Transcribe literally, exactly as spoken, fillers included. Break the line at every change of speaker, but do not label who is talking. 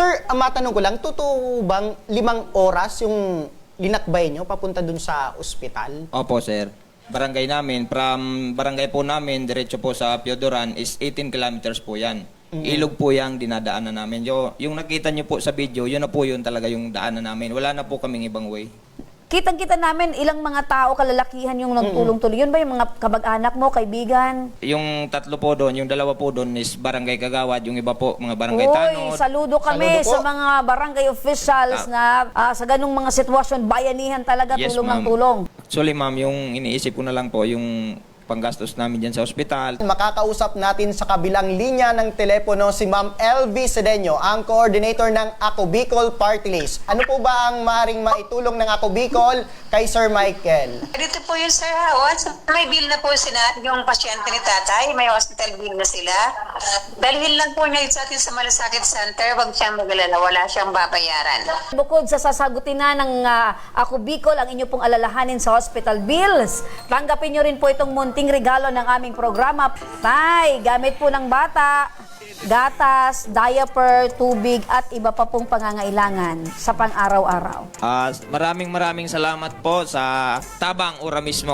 Sir, ang matanong ko lang, totoo bang limang oras yung linakbay nyo papunta dun sa ospital?
Opo, sir. Barangay namin, from barangay po namin, diretso po sa Piodoran is eighteen kilometers po yan. Ilog po yung dinadaanan namin. Yo, yung nakita nyo po sa video, yun na po yun talaga yung daanan namin. Wala na po kaming ibang way.
Kitang-kita namin ilang mga tao, kalalakihan yung nagtulong-tuloy. Yun ba yung mga kabag-anak mo, kaibigan?
Yung tatlo po doon, yung dalawa po doon is barangay Kagawad, yung iba po mga barangay
Uy,
Tanod.
saludo kami
Saludo po.
sa mga barangay officials na ah, sa ganung mga sitwasyon, bayanihan talaga,
Yes,
tulong ng
ma'am.
tulong.
Actually, ma'am, yung iniisip ko na lang po, yung panggastos namin dyan sa ospital.
Makakausap natin sa kabilang linya ng telepono si Ma'am L V Sedeño, ang coordinator ng Ako Bicol Party List. Ano po ba ang maaaring maitulong ng Ako Bicol kay Sir Michael?
Dito po yung Sir Howard. May bill na po sila, yung pasyente ni tatay. May hospital bill na sila. Dalhin lang po niya sa atin sa Malasakit Center. Huwag siyang magalala. Wala siyang babayaran.
Bukod sa sasagutin na ng ah, Ako Bicol ang inyo pong alalahanin sa hospital bills, tanggapin nyo rin po itong munting regalo ng aming programa. Tay, gamit po ng bata, gatas, diaper, tubig at iba pa pong pangangailangan sa pang-araw-araw.
Ah, maraming maraming salamat po sa Tabang Ura mismo.